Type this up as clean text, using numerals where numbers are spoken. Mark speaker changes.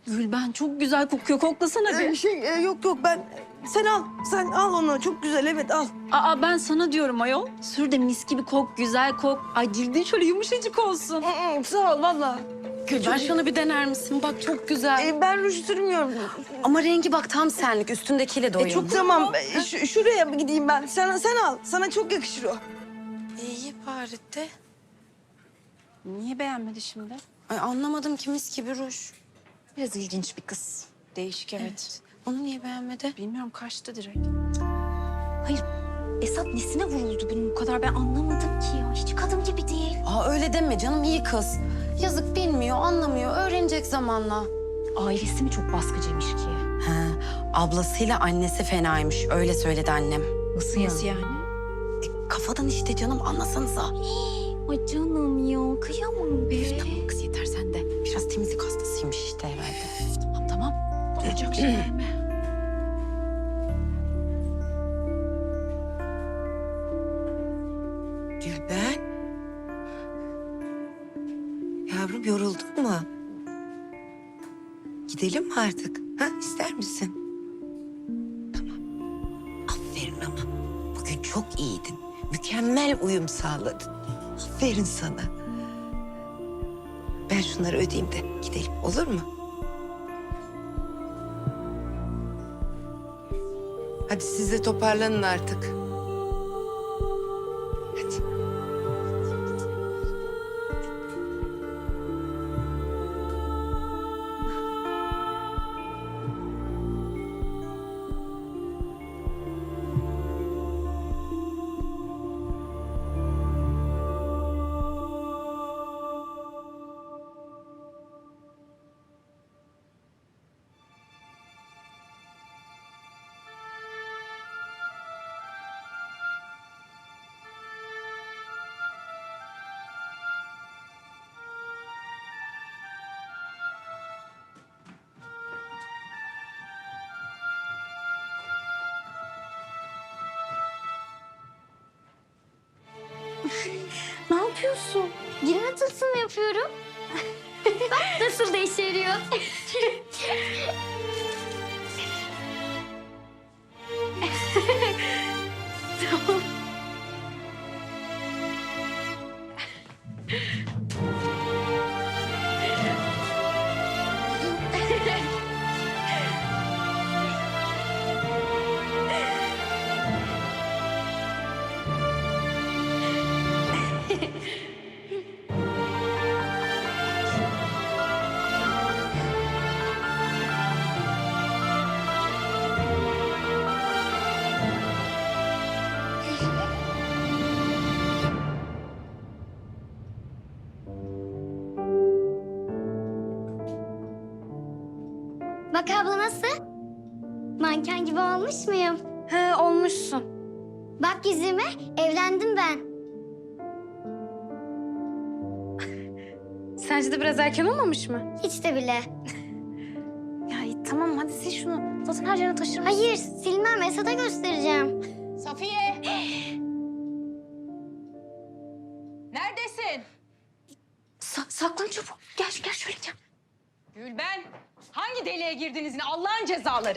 Speaker 1: Gülben çok güzel kokuyor. Koklasana bir.
Speaker 2: Yok ben... Sen al onu. Çok güzel, evet al.
Speaker 1: Aa ben sana diyorum ayol. Sür de mis gibi kok, güzel kok. Ay cildin şöyle yumuşacık olsun.
Speaker 2: Sağ ol valla.
Speaker 3: Gülben şunu bir dener misin? Bak çok güzel.
Speaker 2: Ben ruj sürmüyorum.
Speaker 3: Ama rengi bak tam senlik. Üstündekiyle de uyumlu.
Speaker 2: Tamam, şuraya mı gideyim ben? Sen al. Sana çok yakışır o.
Speaker 3: İyi bari de.
Speaker 1: Niye beğenmedi şimdi?
Speaker 3: Ay anlamadım ki mis gibi ruj.
Speaker 1: Biraz ilginç bir kız. Değişik evet.
Speaker 3: Onu niye beğenmedi?
Speaker 1: Bilmiyorum kaçtı direkt. Hayır Esat nesine vuruldu bunun bu kadar ben anlamadım ki ya. Hiç kadın gibi değil.
Speaker 3: Aa öyle deme canım, iyi kız. Yazık, bilmiyor, anlamıyor. Öğrenecek zamanla.
Speaker 1: Ailesi mi çok baskıcıymış ki?
Speaker 3: He, ablasıyla annesi fenaymış. Öyle söyledi annem.
Speaker 1: Nasıl yani?
Speaker 3: Kafadan işte canım, anlasanıza.
Speaker 1: Ay canım ya kıyamam be.
Speaker 3: Tamam kız, yeter sen de. Biraz temizlik hastasıymış işte herhalde.
Speaker 1: Tamam. Olacak şeyler mi?
Speaker 4: Gülben. Yavrum yoruldun mu? Gidelim mi artık? Ha, ister misin? Tamam. Aferin ama. Bugün çok iyiydin. Mükemmel uyum sağladın. Aferin sana. Ben şunları ödeyeyim de gidelim, olur mu? Hadi siz de toparlanın artık. Hadi.
Speaker 5: Ne yapıyorsun? Girme tılsım yapıyorum. Bak nasıl da işe yarıyor. Tamam. Bak abla nasıl? Manken gibi olmuş muyum?
Speaker 1: He olmuşsun.
Speaker 5: Bak yüzüme, evlendim ben.
Speaker 6: Sence de biraz erken olmamış mı?
Speaker 5: Hiç de bile.
Speaker 6: Ya iyi, tamam hadi sil şunu. Zaten her yere taşırım.
Speaker 5: Hayır, silmem. Esat'a göstereceğim.
Speaker 6: Safiye! Neredesin?
Speaker 1: Saklan çabuk. Gel şöyle gel.
Speaker 6: Gülben, hangi deliğe girdiniz yine? Allah'ın cezaları.